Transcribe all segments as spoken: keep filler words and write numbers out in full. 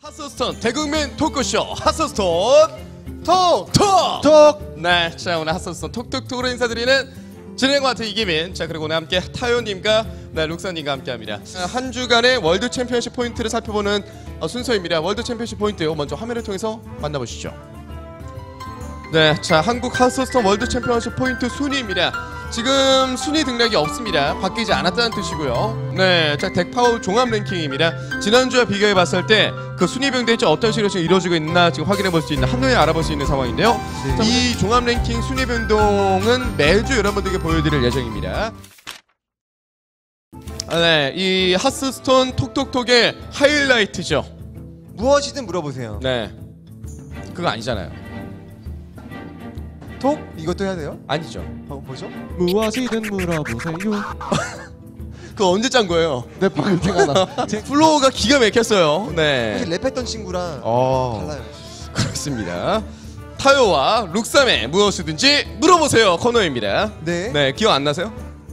핫스톤 대국민 토크쇼 핫스톤 톡! 톡! 톡! 네, 자 오늘 핫스톤 톡톡톡으로 인사드리는 진행과 같은 이기민. 자 그리고 오늘 함께 타요님과 네, 룩사님과 함께합니다. 한 주간의 월드 챔피언십 포인트를 살펴보는 어, 순서입니다. 월드 챔피언십 포인트 먼저 화면을 통해서 만나보시죠. 네, 자 한국 핫스톤 월드 챔피언십 포인트 순위입니다. 지금 순위 등락이 없습니다. 바뀌지 않았다는 뜻이고요. 네, 자 덱파워 종합 랭킹입니다. 지난주와 비교해 봤을 때 그 순위 변동이 어떤 식으로 지금 이루어지고 있나 지금 확인해 볼 수 있는 한눈에 알아볼 수 있는 상황인데요. 네. 이 종합 랭킹 순위 변동은 매주 여러분들께 보여드릴 예정입니다. 아, 네, 이 핫스톤 톡톡톡의 하이라이트죠. 무엇이든 물어보세요. 네, 그거 아니잖아요. 톡? 이것도 해야 돼요? 아니죠. 어, 뭐죠? 무엇이든 물어보세요. 그거 언제 짠 거예요? 네, 방금 생각나. 플로우가 기가 막혔어요. 네. 사실 랩했던 친구랑 어... 달라요. 그렇습니다. 타요와 룩삼의 무엇이든지 물어보세요 코너입니다. 네. 네, 기억 안 나세요?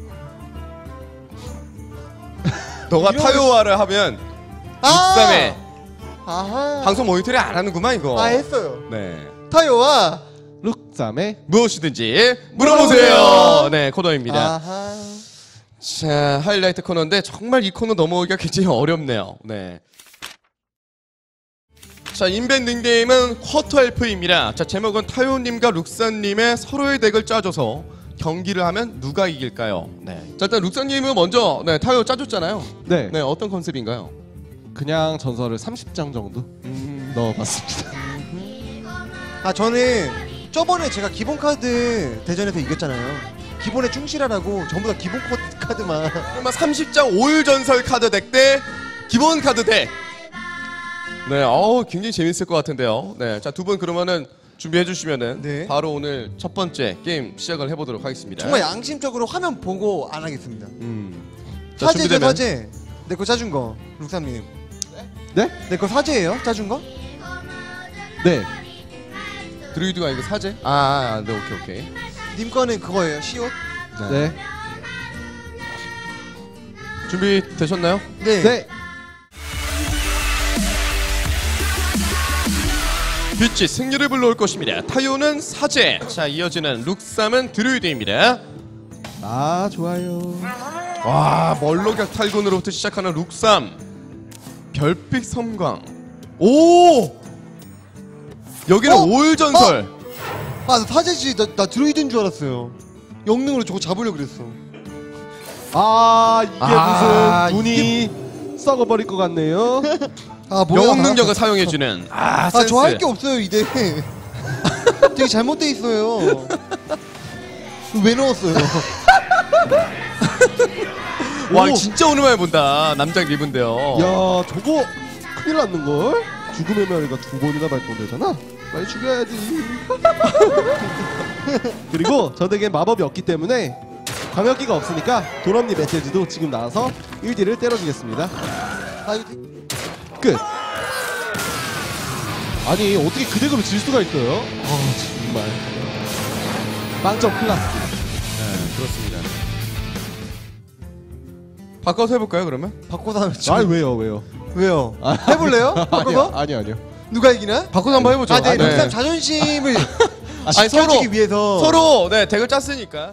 너가 이런... 타요와를 하면 아! 룩삼의 아하. 방송 모니터링 안 하는구만 이거. 아, 했어요. 네. 타요와 룩삼의 무엇이든지 물어보세요. 네, 코너입니다. 아하. 자, 하이라이트 코너인데 정말 이 코너 넘어오기가 굉장히 어렵네요. 네. 자, 인벤 닉네임은 쿼터 엘프입니다. 자, 제목은 타요님과 룩사님의 서로의 덱을 짜줘서 경기를 하면 누가 이길까요? 네. 자, 일단 룩사님은 먼저 네, 타요 짜줬잖아요. 네. 네, 어떤 컨셉인가요? 그냥 전설을 삼십 장 정도 음... 넣어봤습니다. 아, 저는 저번에 제가 기본 카드 대전에서 이겼잖아요. 기본에 충실하라고 전부 다 기본 카드만. 그러면 삼십 장 올 전설 카드 덱 대 기본 카드 덱. 네, 어우 굉장히 재밌을 것 같은데요. 네, 자 두 분 그러면은 준비해 주시면은 네. 바로 오늘 첫 번째 게임 시작을 해보도록 하겠습니다. 정말 양심적으로 화면 보고 안 하겠습니다. 음. 자, 사제죠, 준비되면. 사제. 내 거 짜준 거, 룩삼님. 네? 내 거 사제예요? 짜준 거? 네. 드루이드가 이거 사제? 아, 아, 네, 오케이 오케이. 님 거는 그거예요, 시옷? 네. 네. 준비 되셨나요? 네. 네. 빛이 승리를 불러올 것입니다. 타요는 사제. 자, 이어지는 룩삼은 드루이드입니다. 아, 좋아요. 와, 멀로격 탈군으로부터 시작하는 룩삼. 별빛 섬광. 오! 여기는 어? 올 전설. 어? 아, 나 사제지. 나, 나 드루이드인 줄 알았어요. 영능으로 저거 잡으려고 그랬어. 아, 이게 아, 무슨 눈이 썩어버릴 것 같네요. 아, 뭐야? 영웅 능력을 사용해주는. 아, 센스. 아, 저 할 게 없어요, 이대. 되게 잘못돼 있어요. 왜 넣었어요? 와, 오. 진짜 오랜만에 본다. 남장 리브인데요. 야, 저거 큰일 났는걸? 죽음의 멸이가 두 번이나 발동되잖아? 빨리 죽여야지. 그리고 저 덱엔 마법이 없기 때문에 광역기가 없으니까 도럼니 메시지도 지금 나와서 일 딜을 때려주겠습니다. 아, 이거 끝. 아니 어떻게 그 덱으로 질 수가 있어요? 아 정말 빵점 클라스. 네, 그렇습니다. 바꿔서 해볼까요, 그러면? 바꿔서 하면 아 왜요 왜요? 왜요? 아, 해볼래요? 바꿔서? 아니요 아니요. 누가 이기나? 바꿔서 한번 해보죠. 아, 네, 네. 룩삼 자존심을 아니, 지켜주기 서로, 위해서 서로 네 덱을 짰으니까.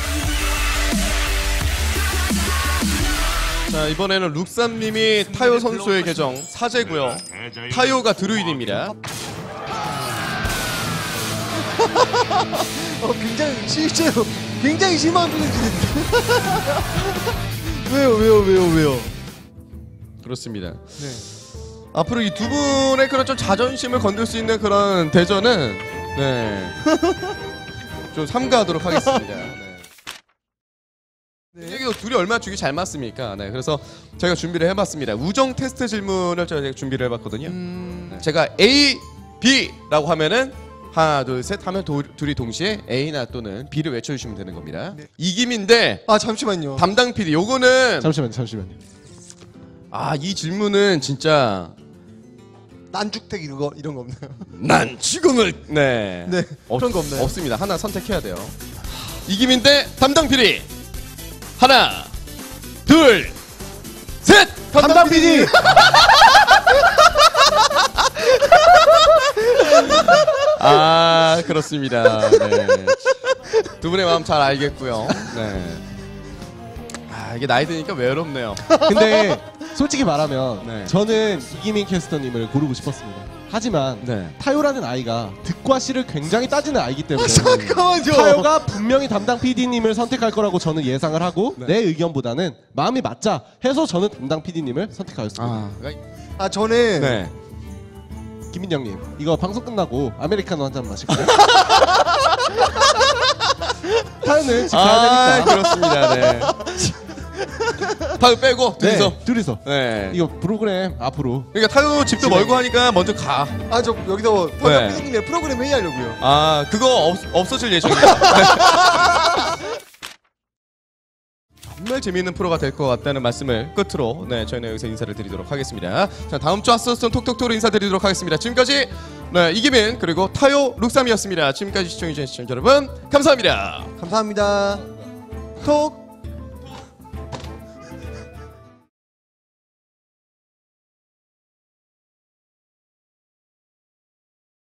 자, 이번에는 룩삼님이 타요 선수의 계정 사제고요. 타요가 드루이드입니다. 어, 굉장히 실제로 굉장히 심한 표정 짓는데. 왜요, 왜요, 왜요, 왜요? 그렇습니다. 네. 앞으로 이 두 분의 그런 좀 자존심을 건들 수 있는 그런 대전은 네. 좀 삼가하도록 하겠습니다. 네. 네. 이게 둘이 얼마나 죽이 잘 맞습니까? 네, 그래서 저희가 준비를 해봤습니다. 우정 테스트 질문을 저희가 준비를 해봤거든요. 음... 네, 제가 A, B라고 하면은 하나, 둘, 셋 하면 도, 둘이 동시에 A나 또는 B를 외쳐주시면 되는 겁니다. 네. 이김인데 아, 잠시만요. 담당 피디 요거는 잠시만요 잠시만요. 아, 이 질문은 진짜 난죽택 이런 거 이런 거 없나요? 난 지금을 네, 네. 없, 그런 거 없나요? 없습니다. 하나 선택해야 돼요. 이김인데 담당 피디 하나, 둘, 셋. 담당 피디. 아 그렇습니다. 네. 두 분의 마음 잘 알겠고요. 네. 아 이게 나이 드니까 외롭네요. 근데 솔직히 말하면 네. 저는 이기민 캐스터님을 고르고 싶었습니다. 하지만 네. 타요라는 아이가 득과 실을 굉장히 따지는 아이기 때문에 잠깐만요. 타요가 분명히 담당 피디님을 선택할 거라고 저는 예상을 하고 네. 내 의견보다는 마음이 맞자 해서 저는 담당 피디님을 선택하였습니다. 아, 그러니까- 아 저는 네. 김민영님 이거 방송 끝나고 아메리카노 한 잔 마실까요? 타요는 집 가야 아 되니까. 그렇습니다. 네. 타요 빼고 둘이서. 네, 둘이서. 네. 이거 프로그램 앞으로 그러니까 타요 집도 멀고 하니까 먼저 가. 아 저 여기서 네. 담당 피디님의 프로그램 회의하려고요. 아 그거 없, 없어질 예정이에요. 네. 정말 재미있는 프로가 될 것 같다는 말씀을 끝으로 네 저희는 여기서 인사를 드리도록 하겠습니다. 자 다음 주 아스톤 톡톡톡으로 인사드리도록 하겠습니다. 지금까지 네 이기민 그리고 타요 룩삼이었습니다. 지금까지 시청해주신 시청자 여러분 감사합니다. 감사합니다. 톡